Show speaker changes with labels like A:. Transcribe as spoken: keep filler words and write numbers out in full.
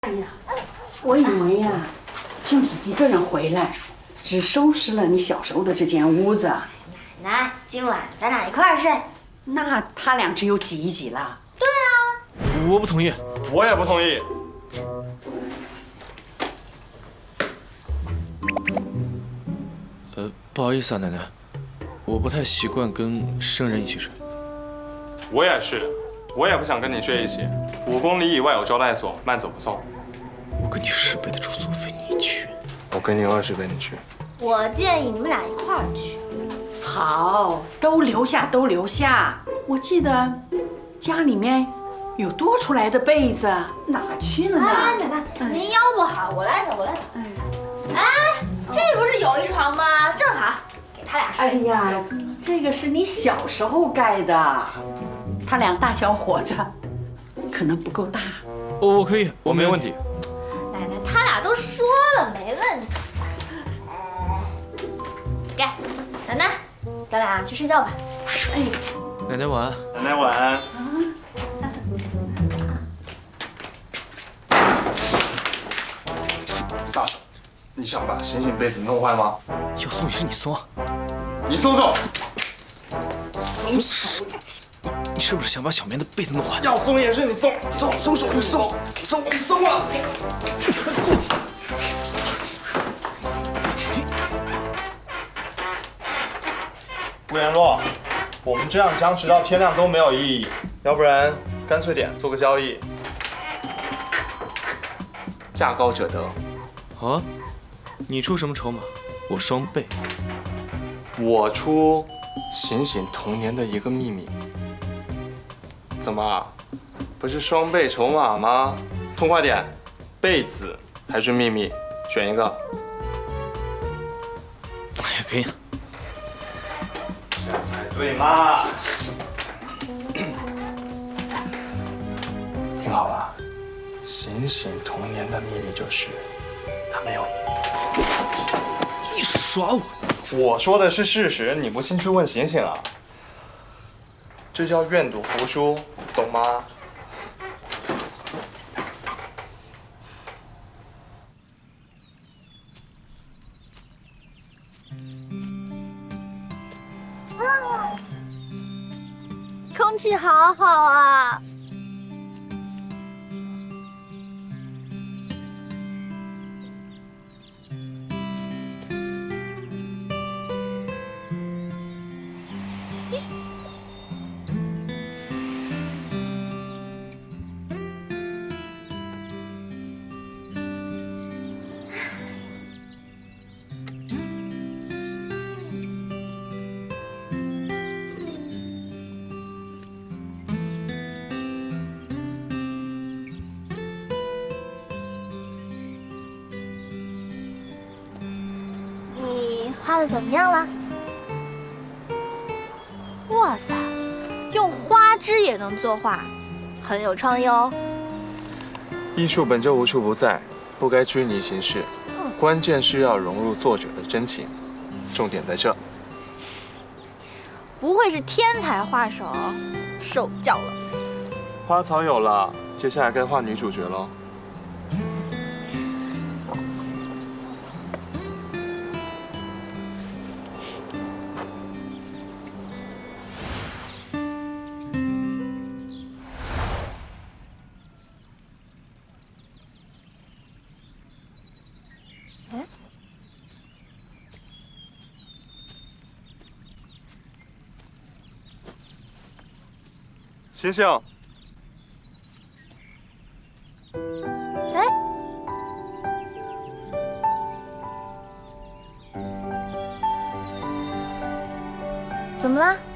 A: 哎呀，我以为呀、啊，就你一个人回来，只收拾了你小时候的这间屋子。
B: 奶奶，今晚咱俩一块儿睡。
A: 那他俩只有挤一挤了。
B: 对啊。
C: 我不同意。
D: 我也不同意。
C: 呃，不好意思啊，奶奶，我不太习惯跟生人一起睡。
D: 我也是，我也不想跟你睡一起。五公里以外有招待所，慢走不送。
C: 我给你十倍的住宿费，你去。
D: 我给你二十倍，你去。
B: 我建议你们俩一块儿去。
A: 好，都留下，都留下。我记得家里面有多出来的被子，哪去了呢？
B: 哎，奶奶，哎、您腰不好，我来找，我来找。哎，哎，这不是有一床吗？正好给他俩睡。
A: 哎呀，这个是你小时候盖的，他俩大小伙子可能不够大。
C: 哦，我可以，
D: 我没问题。
B: 奶奶，他俩都说了没问题。给，奶奶，咱俩去睡觉吧。
A: 哎，
C: 奶奶晚安。
D: 奶奶晚安。撒手！你想把醒醒被子弄坏吗？
C: 要松也是你松啊！
D: 你松手！
C: 松手！你你是不是想把小棉的被子弄坏？
D: 要松也是你松！松松手！你松！松！你松了！顾言洛，我们这样僵持到天亮都没有意义，要不然干脆点做个交易，价高者得。
C: 好啊，你出什么筹码，我双倍。
D: 我出醒醒童年的一个秘密。怎么，不是双倍筹码吗？痛快点，被子还是秘密，选一个。
C: 哎呀，可以。
D: 这才对嘛！听好了，醒醒童年的秘密就是，他没有你。
C: 你耍我！
D: 我说的是事实，你不信去问醒醒啊。这叫愿赌服输，懂吗？
B: 空气好好啊！你画的怎么样了？哇塞，用花枝也能作画，很有创意哦。
D: 艺术本就无处不在，不该拘泥形式，关键是要融入作者的真情，重点在这。
B: 不愧是天才画手，受教了。
D: 花草有了，接下来该画女主角喽。醒醒！
B: 哎，怎么了？